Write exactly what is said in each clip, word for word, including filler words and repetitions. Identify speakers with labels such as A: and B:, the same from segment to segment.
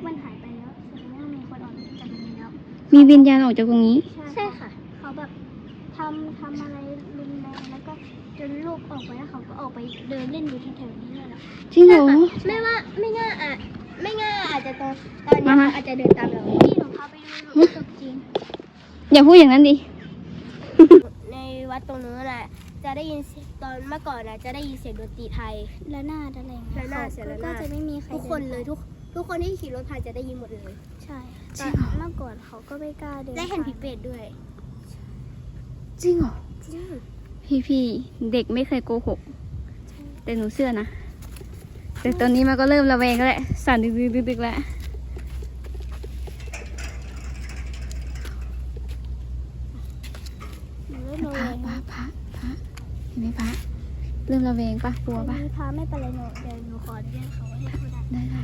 A: มันหายไปแล้วแสดงว่ามีคนออกจากตรงนี้แล้ว
B: มีวิญญาณออกจากตรงนี้
A: ใช่ค่ะเขาแบบทำทำอะไรรุนแรงแล้วก็จนลูกออกไปแล้วเขาก็ออกไปเดินเล่นอยู่ที่แถวนี้เลยแล้ว
B: จริงเหรอ
A: ไม่ว่าไม่ง่าอ่ะไม่ง่าอาจจะตอนตอนนี้อาจจะเดินตามเราพี่หนูพาไปดูหนูตกจริง
B: อย่าพูดอย่างนั้นดิ
A: ในวัดตรงนู้นแหละจะได้ยินตอนเมื่อก่อนนะจะได้ยินเสียงดนตรีไทยและนาดอะไรเงี้ยและนาดเสียงและนาดก็จะไม่มีใครทุกคนเลยทุกทุกคนที่ขี่รถผ่านจะได้ยินหมดเลยใช่แต่เมื่อก่อนเขาก็ไม่กล้าเดินได้เห็นผีเปรตด้วย
B: จริงเหรอ
A: จริง
B: พี่พี่เด็กไม่เคยโกหกแต่หนูเชื่อนะแต่ตอนนี้มันก็เริ่มระแวงแล้วแหละสั่นดึกๆๆแล้วพระพระพระพระเห็นไหมพระเริ่มระแวงปะกลัวปะ
A: พระไม่เป็นไรหนูเดี๋ยวหนูขอเรียกเขาให้เขาได้
B: ได้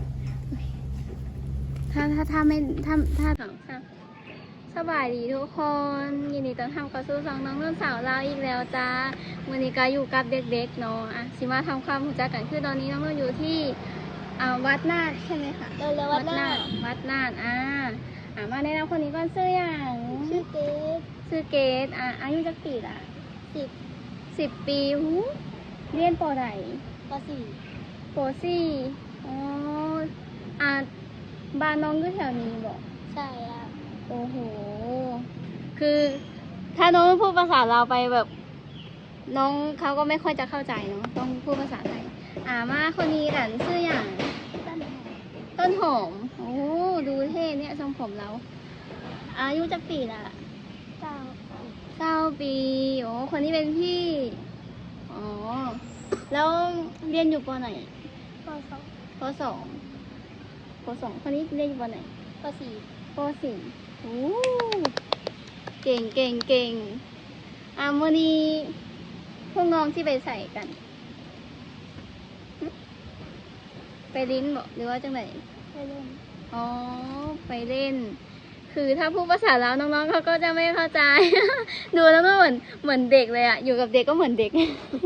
B: ถ้าถ้าถ้าไม่ถ้าถ้าสองสามสบายดีทุกคนยินดีต้อนรับเข้าสู่ช่องน้องนุ่นสาวลาวอีกแล้วจ้าวันนี้ก็อยู่กับเด็กๆเนาะอ่ะสิมาทำความรู้จักกันคือตอนนี้น้องนุ่นอยู่ที่อ่าวัดนาดใช่ไหมคะ
A: เออวัดนาด
B: วัดนาดอ่าอ่ามาแนะนำคนนี้ก่อนชื่ออย่าง
A: ชื่อเกด
B: ชื่อเกดอ่าอายุจักปีละ
A: สิบ
B: สิบปีหูเรียนปอไหน
A: ปสี่
B: ปสี่อ๋ออ่าบ้านน้องอยู่แถวนี้บอก
A: ใช่อ่ะ
B: โอ้โหคือถ้าน้องพูดภาษาเราไปแบบน้องเขาก็ไม่ค่อยจะเข้าใจเนาะต้องพูดภาษาไทยอ่ามาคนนี้หลานชื่ออย่างต้นหอมโอ้ดูเท่เนี่ยทรงผมเราอายุจักปีละ
A: เก้า
B: เก้าปีโอ้คนนี้เป็นพี่อ๋อแล้วเรียนอยู่ปไหน
A: ปสอง
B: ปสองปสองคนนี้เรียนอยู่ปไหน
A: ปสี่
B: ปสี่โอ้เก่งเก่งเก่งอ่ะวันนี้พวกน้องที่ไปใส่กันไปลิ้นบอกหรือว่าจังไหน
A: ไปเล่น
B: อ๋อไปเล่นคือถ้าพูดภาษาแล้วน้องๆเขาก็จะไม่เข้าใจดูแล้วก็เหมือนเหมือนเด็กเลยอะอยู่กับเด็กก็เหมือนเด็ก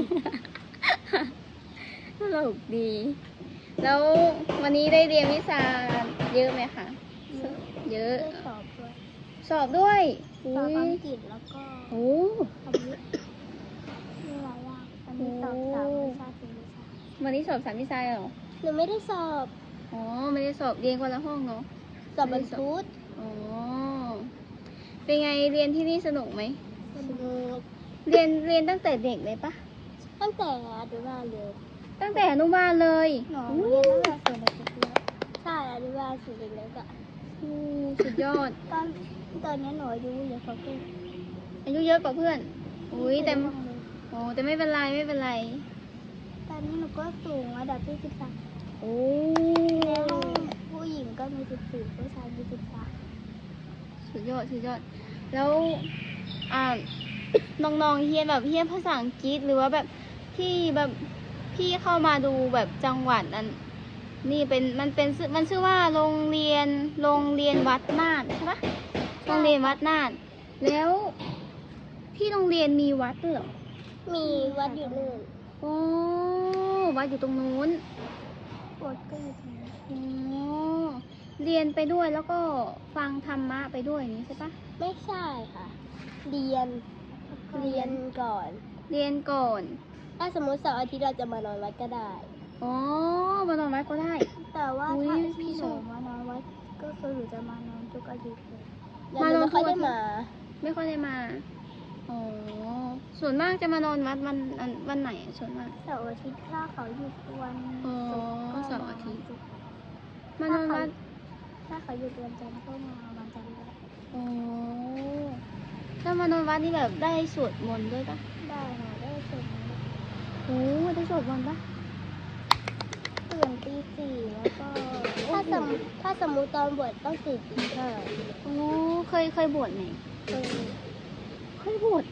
B: ตลกดี แล้ววันนี้ได้เรียนวิชาเยอะไหมคะเยอะ
A: สอบด้วย
B: สอบด้วย
A: สอบอังกฤษแล้วก็
B: โอ้
A: คำนี้มีหลายอย่างวันนี้สอบสามวิชาสี่วิชา
B: วันนี้สอบสามวิชาเหรอ
A: หนูไม่ได้สอบ
B: อ๋อไม่ได้สอบเรียนคนละห้องเนาะ
A: สอบบรรทุก
B: อ๋อเป็นไงเรียนที่นี่สนุกไหม
A: สนุก
B: เรียนเรียนตั้งแต่เด็กเลยปะ
A: ตั้งแต่อนุบาลเลย
B: ตั้งแต่อนุบาลเลย
A: หนูเรียนตั้งแต่ส่วนเด็กๆแล้วใช่อนุบาลส่วนเด็กๆอ่ะ
B: สุดยอด
A: ตอนตอนนี้หนูอายุเยอะกว่าเพื่อน
B: อายุเยอะกว่าเพื่อนอุ้ยแต่โอ้แต่ไม่เป็นไรไม่เป็นไร
A: ตอนนี้หนูก็สูงระดับที่สิบสาม
B: โอ้
A: ในห้องผู้หญิงก็มีสิบสี่ผู้ชายมีสิบสาม
B: สุดยอดสุดยอดแล้วอ่าน้องๆเฮียนแบบเฮียนภาษาอังกฤษหรือว่าแบบที่แบบพี่เข้ามาดูแบบจังหวัดนั้นนี่เป็นมันเป็นมันชื่อว่าโรงเรียนโรงเรียนวัดนาดใช่ปะโรงเรียนวัดนาดแล้วที่โรงเรียนมีวัดด้วยเหรอ
A: มีวัดอยู่นู่น
B: โอ้วัดอยู่ตรงนู้น
A: วัดก็อยู่ตรงนู้น
B: โอ้เรียนไปด้วยแล้วก็ฟังธรรมะไปด้วยนี้ใช่ปะ
A: ไม่ใช่ค่ะเรียนเรียนก่อน
B: เรียนก่อน
A: ถ้าสมมติเสาร์อาทิตย์เราจะมานอนวัดก็ได้
B: อ๋อมานอนวัดก็ได้
A: แต่ว่าถ้าพี่หนูมานอนวัดก็คือหนูจะมานอนทุกอาทิตย์เลย
B: มานอน
A: ไม่ค่อยได้มา
B: ไม่ค่อยได้มาอ๋อส่วนมากจะมานอนวัดวันวันไหนส่วนมาก
A: เสาร์อาทิตย์ถ้าเขาหยุดวัน
B: อ๋อเสาร์อาทิตย์
A: มานอนวัดถ้าเขาหยุดวันจันทร์ก็มาวันจันทร์
B: อ๋อถ้ามานอนวัดนี่แบบได้สวดมนต์ด้วยปะ
A: ได้ค่ะได้สวดมนต์
B: โอ้ได้สวดมนต์ปะ
A: ตื่นตีสี่แล้วก็ถ้าสมถ้าสมมติตอนบวชต้องตื่นตีห้า
B: โอ้เคยเคยบวชไหม
A: เคย
B: เคยบวช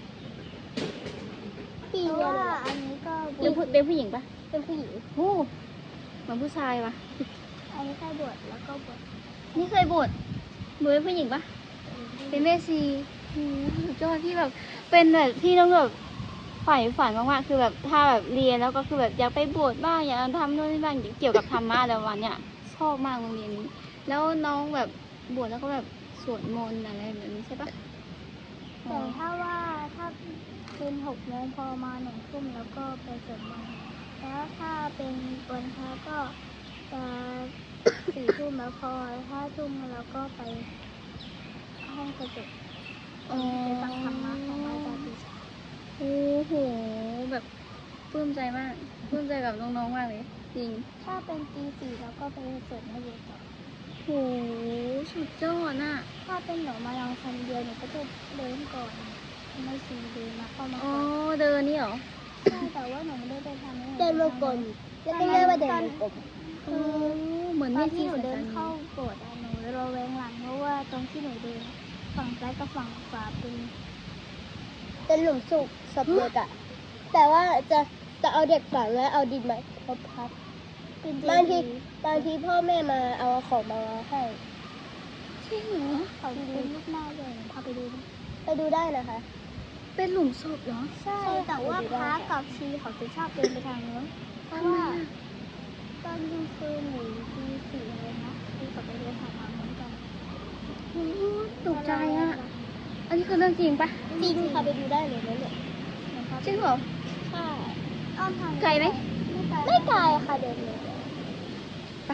A: ปีว่าอันนี้ก็
B: เป็นผู้เป็นผู้หญิงปะ
A: เป็นผู้หญิง
B: โอ้เหมือนผู้ชายปะ
A: อันนี้เคยบวชแล้วก็บวช
B: นี่เคยบวชบวชเป็นผู้หญิงปะเป็นแม่ชีโอ้สุดยอดที่แบบเป็นแบบที่ต้องแบบฝ่ายฝันมากๆคือแบบถ้าแบบเรียนแล้วก็คือแบบอยากไปบวชบ้างอยากทำโน่นนี่บ้างเกี่ยวกับธรรมะอะไรวันเนี้ยชอบมากโรงเรียนนี้แล้วน้องแบบบวชแล้วก็แบบสวดมนต์อะไรแบบนี้ใช่ปะ
A: แต่ถ้าว่าถ้าเป็นหกโมงพอมาหนึ่งทุ่มแล้วก็ไปสวดมนต์แล้วถ้าเป็นวันพระก็จะสี่ทุ่มแล้วพอห้าทุ่มแล้วก็ไปห้องกระจก
B: อ๋อ
A: ไปฟังธรรมะของอาจารย์ปีชา
B: โอ้โหแบบปลื้มใจมากปลื้มใจกับน้องๆมากเลยจริง
A: ถ้าเป็นตีสี่แล้วก็ไปสวดมนต์ต่อ
B: โหสุดยอดน่ะ
A: ถ้าเป็นหนูมาลองคนเดียวหนูก็จะเดินก่อนไม่ซีเดินมาเข้ามา
B: อ๋อ
A: ก่อน
B: เดินนี่เหรอ
A: ใช่แต่ว่าหนูไม่ได้ไปทางนี้
C: เดินมาก่อนแล้วก็เรียกว่าเดินมากลม
B: โอ้เหมือน
A: ต
B: ใน
A: อน
B: ที่
A: ที่หนู
B: สาย
A: เดิน
B: ตา
A: เข้าโบสถ์อะหนูระแวงหลังเพราะว่าตรงที่หนูเดินฝั่งซ้ายกับฝั่งขวาเป็น
C: เป็นหลุมศพศพเด็กอะแต่ว่าจะจะเอาเด็กฝังแล้วเอาดินมาทบทับ
A: เป็น
C: บางที
A: เจดีย์
C: บางทีพ่อแม่มาเอาของมาให้
B: จริงเหรอ
A: เขาเป็นรูปหน้าเลยหนูพาไปดูดิ
C: ไปดูได้นะคะ
B: เป็นหลุมศพเหรอ
A: ใช่แต่ว่าพระกับชีเขาจะชอบเดินไปทางนู้นเพราะว่าตอนกลางคืนหรือตีสี่อะไรนะที่เขาไปเดินทางนู้นกัน
B: โอ้ตกใจอ่ะ อันนี้คือเรื่องจริงปะ
C: จริงค่ะไปดูได้เลยนะเนี่ย
B: จริงเหรอ
C: ใช่
A: อ้อมทาง
B: ไกลไหม
A: ไม่ไกล
C: ไม่ไกลค่ะเดินเลย
B: ปะ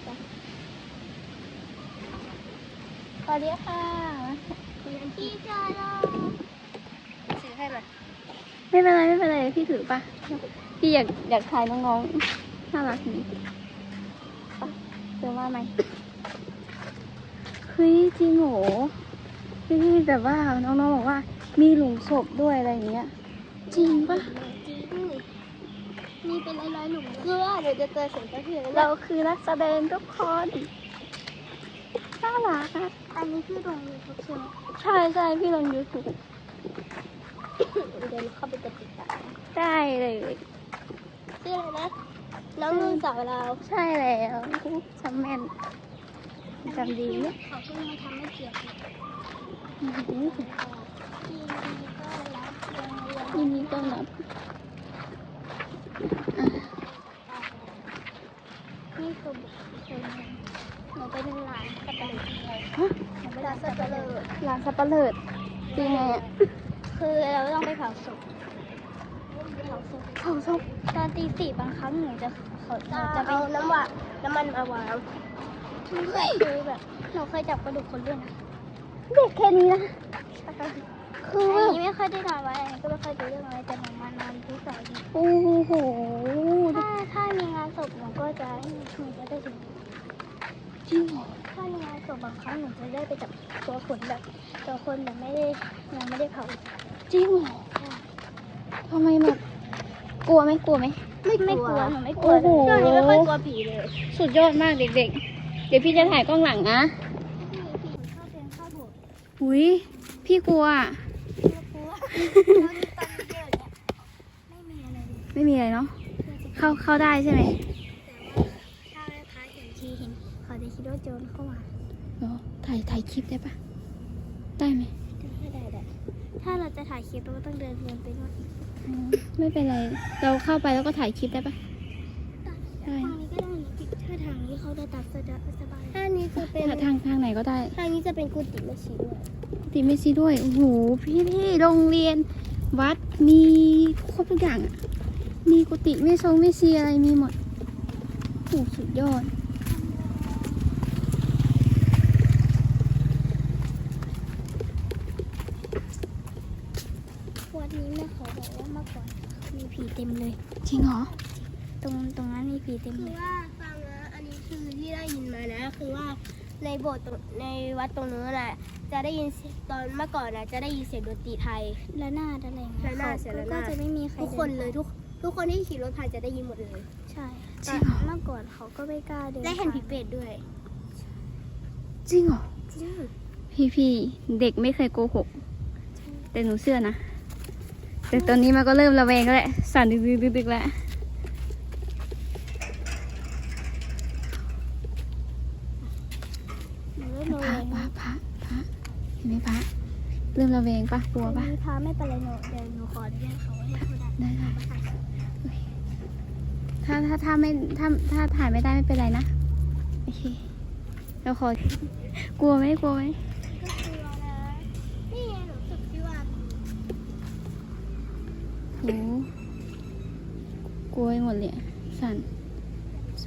C: สวัสดีค่ะ
A: พี่เจอแล้ว
C: ซื้อให้มา
B: ไม่เป็นไรไม่เป็นไรพี่ถือปะพี่อยากอยากถ่ายน้องๆน่ารักดีปะเจอว่าไหมเฮ้ยจริงเหรอพี่แบบว่าน้องๆบอกว่ามีหลุมศพด้วยอะไรอย่างเงี้ย จริงปะ
C: จริง
A: มีเป็นร้อยๆหลุมเลย
C: คือว่าเดี๋ยวจะเจอเสียงกระเทือน
B: เราคือนักแสดงทุกคนน่ารักอะ
A: อันนี้คือลงยูทูบใช่ไหม
B: ใช่ใช่พี่ลงยูทูบ
C: เดินเข้าไปจะติดตาม
B: ได้เลย
C: ชื่ออะไรนะ น้องนุ่นสาวเราว
B: ใช่แล้วจำแม่นจำดีเนี่ย
A: เขาเพิ่งมาทำให้เกียรติ
B: อื้อหือ
A: ทีนี้ก็รับเรียนเรียน
B: ยินดีต้อนรับ
A: นี่คือบุคคลหนึ่งหนูไปดูหลานกระต่ายจริงเลย
B: ฮะ
A: หนูไปร้านสับปะเลอ
B: ร้านสับปะเลิดจริงไงอะ
A: คือเราต้องไปเผาศพเผาศพ
B: เขาชอบ
A: ตอนตีสี่บางครั้งหนูจะเขาหนู
C: จะ
A: จะไป
C: เอาน้ำหวานน้ำมันมาวาง
A: คือแบบหนูเคยจับกระดูกคนด้วยนะ
B: เด็กแค่นี้นะ คือ
A: อั
B: แบ
A: น
B: บ
A: นี้ไม่ค่อยได้นอนไว้อันนี้ก็ไม่ค่อยรู้เรื่องอะไรแต่หนูมานอนทุกเสาร์อาทิตย์
B: โอ้โห
A: ถ้าถ้ามีงานศพหนูก็จะหนูก็จะถึง
B: จริงเหรอ
A: ถ้ามีงานศพบางครั้งหนูจะได้ไปจับตัวคนแบบตัวคนแบบไม่ได้ยังไม่ได้เผา
B: จริงเหรอทำไมแบบกลัวไหมกลัวไหม
A: ไม่ไม่กลัวหนูไม่กลัว
B: โอ้
A: เลย
B: โห
C: ช่วงนี้ไม่ค่อยกลัวผีเลย
B: สุดยอดมากเด็กๆ เดี๋ยวพี่จะถ่ายกล้องหลังนะ
A: พี่พี่ชอบเดินเข้าโบสถ์
B: อุ้ยพี่กลัวอะ
A: ไม่กลัวแล้วนี่ตอนเที่ยวเนี่ยไม่มีอะไรเลย
B: ไม่มีอะไรเนาะ เข้าเข้าได้ใช่ไหม
A: ถ้าพระเห็นทีเห็นเขาจะคิดว่าโจรเข้ามา
B: เนาะถ่ายถ่ายคลิปได้ปะได้ไหม
A: ไม่ได้ได้ถ้าเราจะถ่ายคลิปเราก็ต้องเดินเดินไปนู่น
B: อ๋อไม่เป็นไร เราเข้าไปแล้วก็ถ่ายคลิปได้ปะ ได้
A: ทางนี้ก็ได้นะพี่ถ้าทางนี้เขาได้ตัดสะดวกสบาย
C: ถ้านี้จะเป็น
B: ทางทางทางไหนก็ได้
C: ทางนี้จะเป็นกุฏิแม่ชีด้วย
B: ติไม่ซีด้วย โอ้โห พี่พี่โรงเรียน วัด มีครบทุกอย่างอะมีกุฏิไม่ทรงไม่ซีอะไรมีหมด โอ้โหสุดยอด
A: วัดนี้แม่เขาบอกว่าเมื่อก่อนมีผีเต็มเลย
B: จริงเหรอ
A: ตรงตรงนั้นมีผีเต็ม
C: คื
A: เล
C: อย ว่าฟังนะอันนี้คือที่ได้ยินมานะ คือว่าในโบสถ์ตรงในวัดตรงนู้นน่ะจะได้ยินเสียงตอนเมื่อก่อนน่ะจะได้ยินเสียงดนตรีไทย
A: และหน้าดอะไรอย่างเงี้ย
C: ระนาดเสียงระนาด
A: ก็จะไม่มีใคร
C: ทุกคนเลยทุกทุกคนที่ขี่รถผ่านจะได้ยินหมดเลย
A: ใช่
B: จริงเหรอ
A: เมื่อก่อนเขาก็ไม่กล้าเดิน
C: ได้เห็นผีเปรตด้วย
B: จริงเหรอ
C: จริง
B: พี่พี่เด็กไม่เคยโกหก แต่หนูเชื่อนะ แต่ตอนนี้มันก็เริ่มระแวงแล้วแหละ สั่นดึกดึกดึกดึกแล้ว
A: หนูเริ่มระ
B: พ
A: แว
B: ระ
A: ง
B: พระพระพระเห็นไหมพระเริ่มระแวงปะกลัวปะ
A: มีพาไม่เป็นไรหนูเดี๋ยวหนูขออนุญาตเขาให้เขาได้
B: ได้ได้ถ้าถ้าถ้าไม่ถ้าถ้าถ่ายไม่ได้ไม่เป็นไรนะ โอเค ไปแล้วขอ กลัวไหมกลัวไหม
A: ก็กลัวนะนี่ไงหนูรู้สึกที่ว่า
B: โหกลัวไปหมดเลยอะสั่นใช่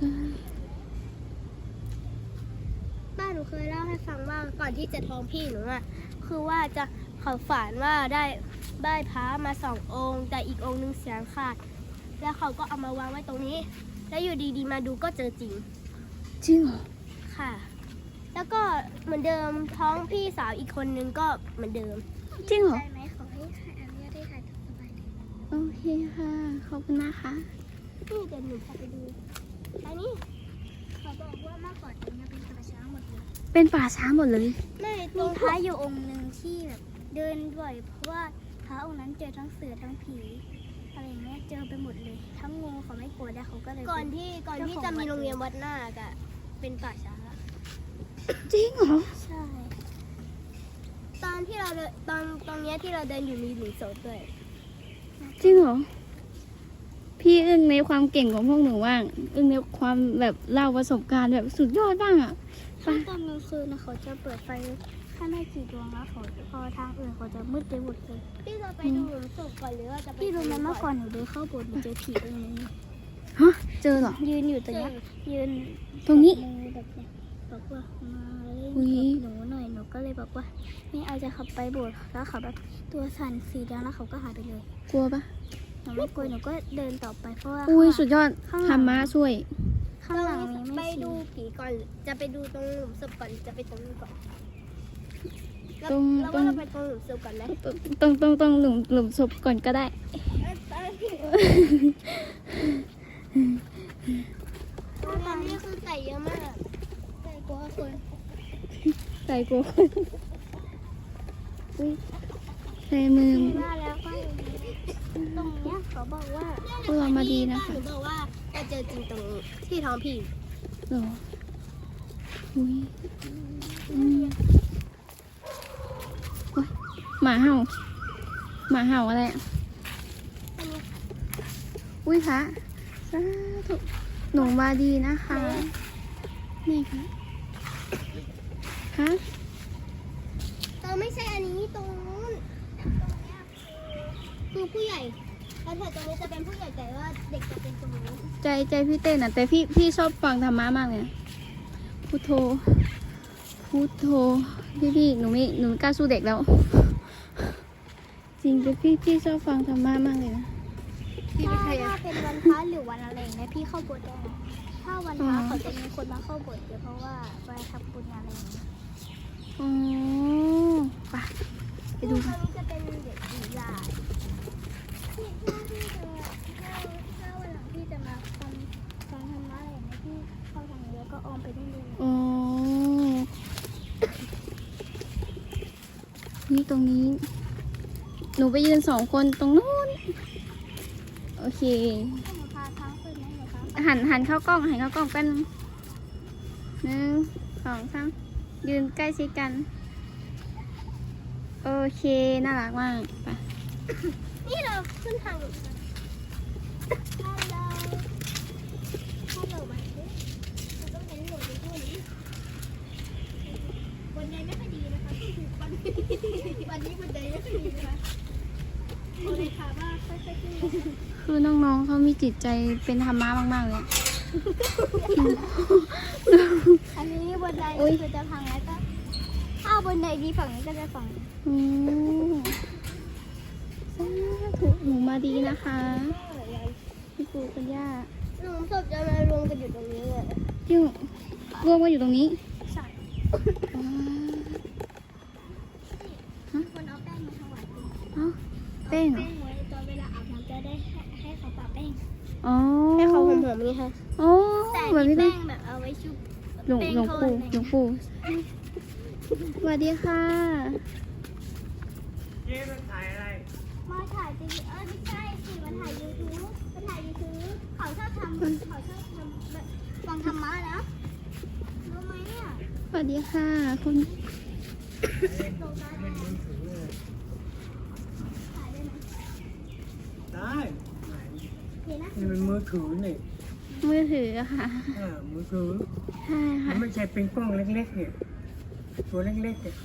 A: บ้านหนูเคยเล่าให้ฟังว่าก่อนที่จะท้องพี่หนูอะคือว่าจะเขาฝันว่าได้ได้พระมาสององค์ แต่อีกองค์หนึงเสียงขาด แล้วเขาก็เอามาวางไว้ตรงนี้ แล้วอยู่ดีๆมาดูก็เจอจริง
B: จริงเหรอ
A: ค่ะ แล้วก็เหมือนเดิมท้องพี่สาวอีกคนนึงก็เหมือนเดิม
B: จริงเหรอ
A: ได้ไหมขอให้ถ่ายอนุญาตให้ถ่ายสบายเลย
B: โอเคค่ะ ขอบคุณนะคะ
A: นี่เดี๋ยวหนูพาไปดู อันนี้เขาบอกว่าเมื่อก่อนตรงนี้เป็นป่าช้าหมดเลย
B: เป็นป่าช้าหมดเลย
A: ไม่มีพระอยู่องค์หนึ่งที่แบบเดินบ่อยเพราะว่าพระองค์นั้นเจอทั้งเสือทั้งผีอะไรอย่างเงี้ยเจอไปหมดเลย ทั้งงูเขาไม่กลัวแล้วเขาก็เลยก่อนที่ก่อนที่จะมีโรงเรียนวัดนาคอะเป็นป่าช้า
B: จริงเหรอ
A: ใช่ ตอนที่เราเดินตอนตรงเนี้ยที่เราเดินอยู่มีหลุมศพด้วย
B: จริงเหรอ พี่อึ้งในความเก่งของพวกหนูว่าง อึ้งในความแบบเล่าประสบการณ์แบบสุดยอดบ้างอ่ะ
A: ถ้าตอนกลางคืนนะเขาจะเปิดไฟถ้าไม่กี่ดวงแล้วเขาพอทางอื่นเขาจะมืดไปหมดเลยพี่จะไปดูหลุมศพก่อนหรือว่าจะพี่รู้ไหมเมื่อก่อนหนูเดินเข้าโบสถ์หนูเจอผีตรงนี้
B: ฮะ เจอเหรอ
A: ยืนอยู่ตรงเนี้ยยืน
B: ตรงนี้
A: มือแบบเนี้ยบอกว่ามาเล่น
B: อุ๊ย
A: กับหนูหน่อยหนูก็เลยบอกว่าไม่เอาจะขับไปโบสถ์แล้วเขาแบบตัวสั่นสีแดงแล้วเขาก็หายไปเลย
B: กลัวปะ
A: หนูไม่กลัวหนูก็เดินต่อไปเพราะว่า
B: อุ้ยสุดยอด
A: ข้างหลัง
B: ธรรมะช่วย
A: ข้างหลังนี้ไม่ไปดูผีก่อนจะไปดูตรงหลุมศพก่อนจะไปตรงนี้ก่อน
B: ตรง
A: แล้ว
B: ตร
A: ว่าง เราไปตรงหลุมศพก่อนไหม
B: ตรงตรงตรงหลุมหลุมศพก่อนก็ได้
A: ตอนนี้คือไก่เยอะมากไก่กลัวคน
B: ใส่กลัวคนอุ้ยใส่มือ
A: ว่าแล้วก็ตรงเนี้ยเขาบอกว่า
B: พวกเรามาดีนะคะ
A: หนูบอกว่าจะเจอจริงตรงที่ท้องพี่
B: เหรออุ้ยอืมโอ๊ยหมาเห่า หมาเห่าอะไรอะอุ้ยพระสาธุหนูมาดีนะคะ นี่ค่ะฮะ
A: เออไม่ใช่อันนี้ตรงนู้นตรงเนี้ยคือผู้ใหญ่แล้วแถวตรงนี้จะเป็นผู้ใหญ่แต่ว่าเด็กจะเป็นตรงนู้น
B: ใจใจพี่เต้นอ่ะ แต่พี่พี่ชอบฟังธรรมะมากเลยนะพุทโธพุทโธพี่พี่หนูไม่หนูไม่กล้าสู้เด็กแล้ว จริงแต่พี่พี่ชอบฟังธรรมะมากเลยนะพี่
A: ถ้า
B: ไม่ใช่
A: ถ้า
B: อะ
A: เป็นวันพระหรือวันอะไรอย่างเงี้ยพี่เข้าโบสถ์ได้นะถ้าวันพระเขาจะมีคนมาเข้าโบสถ์เยอะเพราะว่าไปทำบุญอะไรอย่างเงี้ย
B: อ๋อไปไปดู
A: ต
B: กั
A: อน นนี้จะเป็นเด็กผีลายที่ถ้าพี่จะถ้าถ้าวันหลังพี่จะมาฟังฟังธรรมะอะไรอย่างเงี้ยพี่เข้าทางนี้แล้วก็ออมไปได้เลย
B: อ๋อนี่ตรงนี้ หนูไปยืนสองคนตรงนู้นโอเค
A: ให้หนูพาทางขึ้นไหมหนูพา
B: หันหันเข้ากล้องหันเข้ากล้องเป็นหนึ่งสองสามยืนใกล้ชิดกัน โอเค น่ารักมากไป
A: นี่เราขึ้นทางหนูกันฮัลโหลฮัลโหลมาสิเราต้องเห็นหนูอยู่ที่นี้วันนี้ไม่ค่อยดีนะคะวันนี้วันนี้วันใดไม่ค่อยดีนะคะโอเลยค่ะว่าค่อยๆขึ้นนะคะ
B: คือน้องๆเขามีจิตใจเป็นธรรมะมากๆเลยอะ
A: อันนี้บนได
B: อุ๊ย
A: คือจะพังแล้วก็ถ้าบนไดดีฝั่งนี้ก็จะฝั่งนี้
B: อืมสาธุหนูมาดีนะคะพี่ปู่คุณย่า
A: หลุมศพจะมารวมกันอยู่ตรงนี้เลย
B: ที่รวมกันอยู่ตรงนี้
A: ใช่
B: อ๋อ
A: คนเอาแป้งมาถวายคุณ
B: เอ้าเป้งเหรอ
A: แป้งไว้ตอนเวลาอาบน้ำจะได้ให้ให้เขาปะแป้ง
B: อ๋อ
A: ให้เขาหอมๆนี่ค่ะ
B: อ๋อ
A: แต่
B: แบบ
A: มี
B: นี้เล
A: แป้
B: ย
A: งแบบเอาไว้ชุบ
B: หลวง
A: แป้ง
B: หลวง
A: ทอด
B: ปู่
A: อะไร
B: หลวงปู่สวัสดีค่ะ
D: เจ๊มันถ่ายอะไร
A: มาถ่ายจริงเออไม่ใช่สิมาถ่ายยูทูบมาถ่ายยูทูบเขาชอบทำเขาชอบทำแบบฟังธรรมะนะรู้ไหมเนี่ย
B: สวัสดีค่ะคุณ
A: ลงได้ไหมถ่ายได้ไหม
D: ได้
A: นี่นะ
D: นี่มันมือถือนี่
B: มือถืออะค่ะ
D: อ่ามือถือ
B: คช่
D: มั
B: ค่ะ
D: นไม่ใช่เป็นกล้องเล็กๆเนี่ย ตัวเล็กๆเนี่ย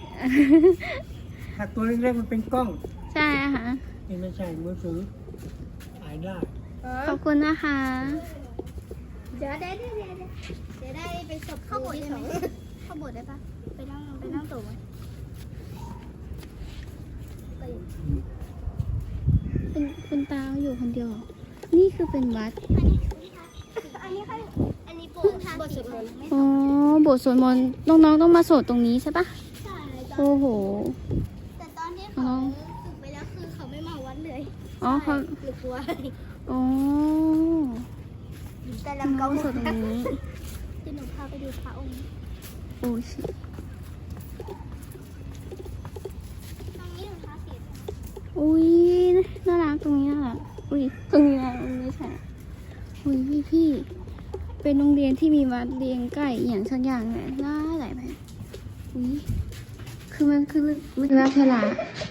D: ถ้าตัวเล็กๆมันเป็นกล้อง
B: ใช่ค่ะ
D: นี่ไม่ใช่มือถือถ่ายได้
B: ขอบคุณนะคะ
A: เดี๋ยวได้ได้ได้จะได้ไปสอบเข้าบทได้ไหมเข้าบทได้ปะไปนั่งไปนั่งตู่ไหม
B: เป็นคุณตาอยู่คนเดียวเหรอนี่คือเป็นวัด
A: อันนี้อันนี้ค่ะอันนี้บทบทสวดมนต์
B: อ๋อบทสวดมนต์น้องๆต้องมาสวดตรงนี้ใช่ปะ
A: ใช่
B: โอ้โห
A: แต่ตอนที่เขาฝึกไปแล้วคือเขาไม่มาวัดเลย
B: อ๋อเขา
A: หรือกลัว
B: อ๋อ
A: แต่
B: น้
A: ลำเกา
B: องสวดตรงนี้
A: ที่หนูพาไปดูพระองค์
B: โอ้ชิ
A: ตรงนี้หนูพาเสีย
B: อุ้ยน่ารักตรงนี้น่ารักอุ้ยตรงนี้นะตรงนี้ใช่อุ้ยพี่พี่ๆเป็นโรงเรียนที่มีวัดเรียงใกล้อหย่างสักอย่างเนี่ยน่าหลายไปอุ้ยคือมันคือมันราชลา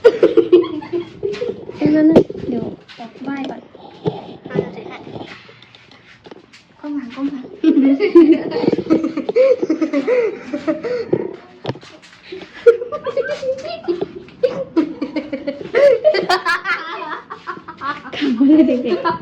B: เอ้ยแล้วนะเดี๋ยวออกไหว้ก่อน
A: พาเราถือให้
B: ก้มหางก้มหางขำเลยเด็ก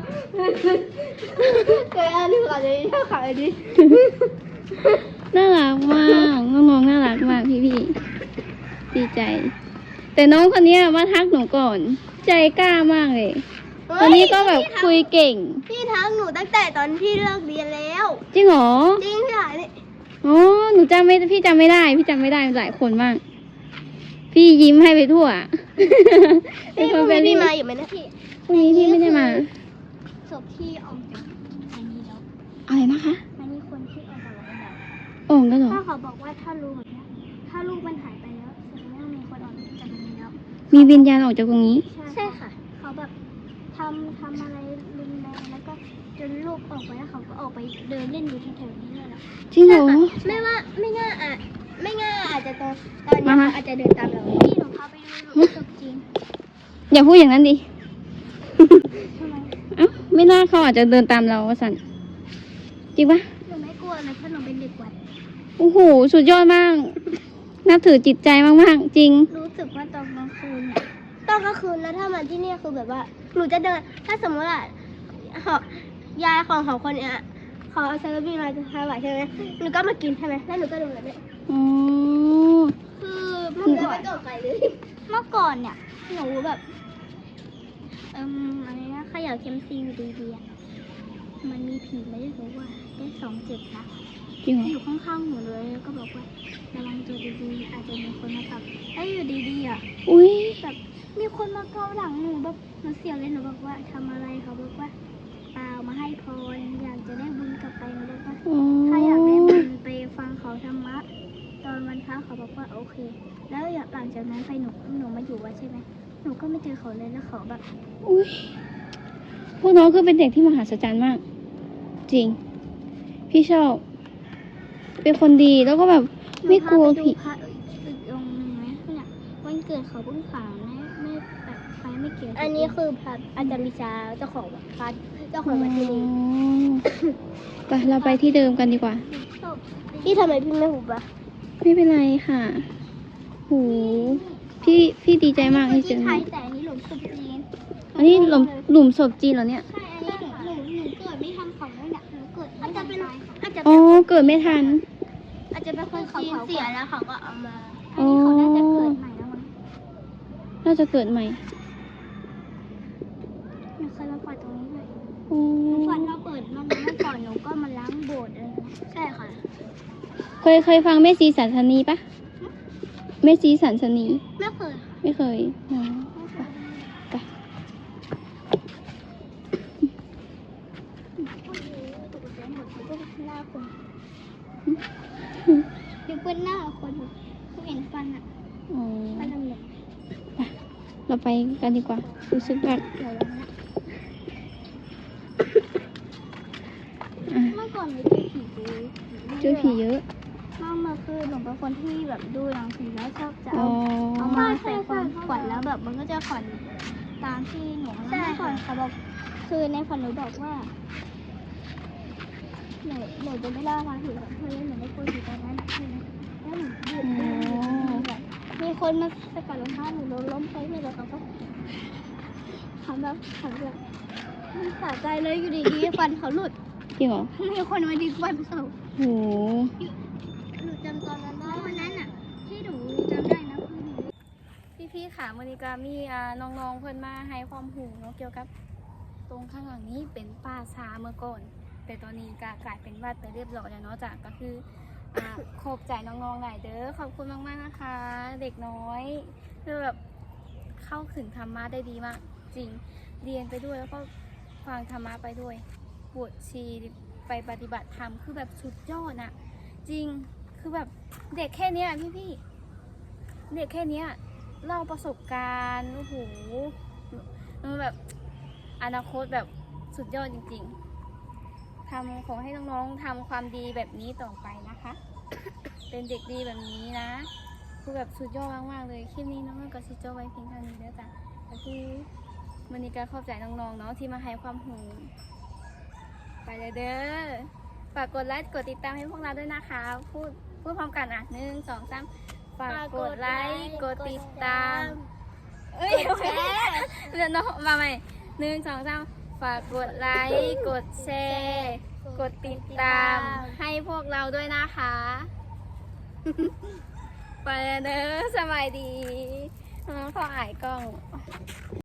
A: เคยอ่านที่เขาจะชอบขายดิ
B: ๆน่ารักมากน้องๆน่ารักมากพี่ๆดีใจ แต่น้องคนเนี้ยมาทักหนูก่อน ใจกล้ามากเลยตอนนี้ก็แบบคุยเก่ง
A: พี่ทักหนูตั้งแต่ตอนที่เลิกเรียนแล้ว
B: จริงเหรอ
A: จริงพี่หายนี่
B: อ๋อหนูจำไม่พี่จำไม่ได้ พี่จำไม่ได้หลายคนมาก พี่ยิ้มให้ไปทั่ว
A: พี่พรุ่งนี้พี่มาอยู่ไหมนะพี่
B: พรุ่งนี้พี่ไม่ได้มา
A: ศพที่ออกจากอันนี้แล้ว
B: อะไรนะคะ
A: มันมีคนที่ออกจากโรงพยาบาล
B: โอ่งก็เหรอ
A: ถ้าเขาบอกว่าถ้ารู้แบบเนี้ยถ้าลูกมันหายไปแล้วแสดงว่ามีคนออกจากตรงนี้แล้ว
B: มีวิญญาณออกจากตรงนี้
A: ใช่ค่ะ เขาแบบทำทำอะไรรุนแรงแล้วก็จนลูกออกไปแล้วเขาก็ออกไปเดินเล่นอยู่ที่แถวนี้เลยแล้ว
B: จริงเหรอ
A: ไม่ว่าไม่ง่าอ่ะไม่ง่าอาจจะตอนตอนนี้
B: มามา
A: เขาอาจจะเดินตามเราพี่หนูพาไปดูหนูจบจริง
B: อย่าพูดอย่างนั้นดิ
A: ทำไม
B: เอ้าไม่น่าเขาอาจจะเดินตามเราสันจริงปะ
A: หนูไม่กลัวเลยเพราะหนูเป็นเด็กวัด
B: โอ้โห สุดยอดมาก นับถือจิตใจมากๆ จริง
A: รู้สึกว่าตอนกลางคืนเนี่ยตอนกลางคืนแล้วถ้ามาที่นี่คือแบบว่า หนูจะเดิน ถ้าสมมติว่าหอยายของของคนเนี้ยเขาเอาซาลาบี้มาจะทำไหวใช่ไหมหนูก็มากินใช่ไหมแล้วหนูก็ดูแบบเนี้ย
B: อ๋อ
A: คือเมื่อก่อนไม่ตกใจเลยเมื่อก่อนเนี่ยหนูแบบเอ่มอะไรนะขยะเค็มซีอยู่ดีๆอะมันมีผีไม่ได้บอกว่าได้สองเจ็ดนะ
B: จริงเหรอ
A: อยู่ข้างๆหนูเลยแล้วก็บอกว่าระวังตัวดีๆอาจจะมีคนมาทับแล้วอยู่ดีๆอ่ะ
B: อุ้ย
A: แบบมีคนมาเกาหลังหนูแบบหนูเสียวเลยหนูบอกว่าทำอะไรเขาบอกว่าเปล่ามาให้พรอยากจะได้บุญกลับไปหนูบอกว่า
B: อ๋อ
A: ถ้าอยากได้บุญไปฟังเขาธรรมะตอนวันพระเขาบอกว่าโอเค แล้วหลังจากนั้นไปหนูหนูมาอยู่วัดใช่ไหมหนูก็ไม่เจอเขาเลยแล้วเขาแบบ
B: อุ้ยพวกน้องคือเป็นเด็กที่มหัศจรรย์มาก จริง พี่ชอบ เป็นคนดีแล้วก็แบบไม่กลัวผี
A: หนูพาไปดูพระอีกองค์หนึ่งไหมเนี่ยวันเกิดเขาเพิ่งผ่านไม่ไม่แบบไฟไม่เกี่ยวอันนี้คือพระอาจารย์มิชาเจ้าของวัดพัดเจ้าของวัดที่นี่
B: ไปเราไปที่เดิมกันดีกว่า
A: พี่ทำไมพี่ไม่หุบอ่ะ
B: ไม่เป็นไรค่ะโหพี่พี่ดีใจมากที่เจอ
A: ไท
B: น้อง
A: ยแต่อันนี้หลุมศพจีน
B: อันนี้หลุมหลุมศพจีนเหรอเนี่ย
A: ใช่อันนี้หนูหนูหนูเกิดไม่ทันเขาแล้วเนี่ยหนูเกิดอาจจะเป็นอาจจะ
B: อ๋
A: เป็
B: อน เกิดไม่ทัน
A: อาจจะเป็นคนจีนเสียแล้วเขาก็เอามา
B: อ๋
A: อัน
B: อ
A: นี้เขาน่าจะเกิดใหม่แล้วมั้ง
B: น่าจะเกิดใหม่
A: หนูเคยมาปล่อยตรงนี้เลย
B: โอ้
A: ก่อนเราเปิดมันเมื่อก่อนหนูก็มาล้างโบสถ์อะไรนะใช่ค่ะ
B: เคยเคยฟังแม่ชีสันสนีปะแม่ชีสันสนี
A: ไม่เคย
B: ไม่เคยอ๋อไป
A: ตกใจหมดก็หน้าคนดูเปื้อนหน้าคนเขาเห็นฟันอ่ะ
B: อ๋อ
A: ฟันดำ
B: ไปเราไปกันดีกว่า รู้สึกแบบ
A: ๆเดี๋ยวนะ
B: อ่ะ
A: เมื่อก่อนหนูเจอผีดู
B: เจอผีเยอะ
A: มากมาคือหนูเป็นคนที่แบบดูหนังผีแล้วชอบจะ
B: อ๋
A: เอา
B: อ
A: เอามาใส่ความฝันแล้วแบบมันก็จะฝันตามที่หนูเมื่อก่อนเขาบอกคือในฝันหนูบอกว่าหนูหนูจะไม่เล่าความผิดของเพื่อนหนูไม่กลัวผิดตอนนั้นใช่ไหมแล้วหนูยืดยืดแบบมีคนมาสกัดรองเท้าหนูล้มล้มไปเลยแล้วเขาก็ทำแบบทำแบบมันสะใจเลยอยู่ดีๆฟันเขาหลุด
B: จริงเหรอ
A: มีคนมาดึงฟันเขา
B: โห
A: หนูจำตอนนั้นได้วันนั้นอ่ะที่หนูจำได้นะคือหนู
B: พี่ๆค่ะมอนิกามีอ่าน้องๆเพื่อนมาให้ความรู้เนาะเกี่ยวกับ ตรงข้างหลังนี้เป็นป่าช้าเมื่อก่อน แต่ตอนนี้ก็กลายเป็นวัดไปเรียบร้อยแล้วเนาะจ้ะก็คืออ่าขอบใจน้องๆหลายเด้อขอบคุณมากๆนะคะ เด็กน้อยคือแบบเข้าถึงธรรมะได้ดีมาก จริงเรียนไปด้วยแล้วก็ฟังธรรมะไปด้วยบวชชีไปปฏิบัติธรรมคือแบบสุดยอดอะจริงคือแบบเด็กแค่เนี้ยพี่ๆเด็กแค่เนี้ยเล่าประสบการณ์โอ้โหมันแบบอนาคตแบบสุดยอดจริงๆทำขอให้น้องๆทำความดีแบบนี้ต่อไปนะคะ เป็นเด็กดีแบบนี้นะคือแบบสุดยอดมากๆเลยคลิปนี้น้องก็ซิโจไว้เพียงเท่านี้แล้วจ้ะก็คือมันนี้ก็ขอบใจน้องๆเนาะที่มาให้ความรู้ไปเลยเด้อฝากกดไลค์กดติดตามให้พวกเราด้วยนะคะพูดพูดพร้อมกันอ่ะหนึ่งสองสามฝากกดไลค์กดติดตามเอ้ยแชร์เดี๋ยวน้องมาใหม่หนึ่งสองสามฝากกดไลค์กดแชร์กดติดตามให้พวกเราด้วยนะคะ ไปเด้อสบายดีน้องพออายกล้อง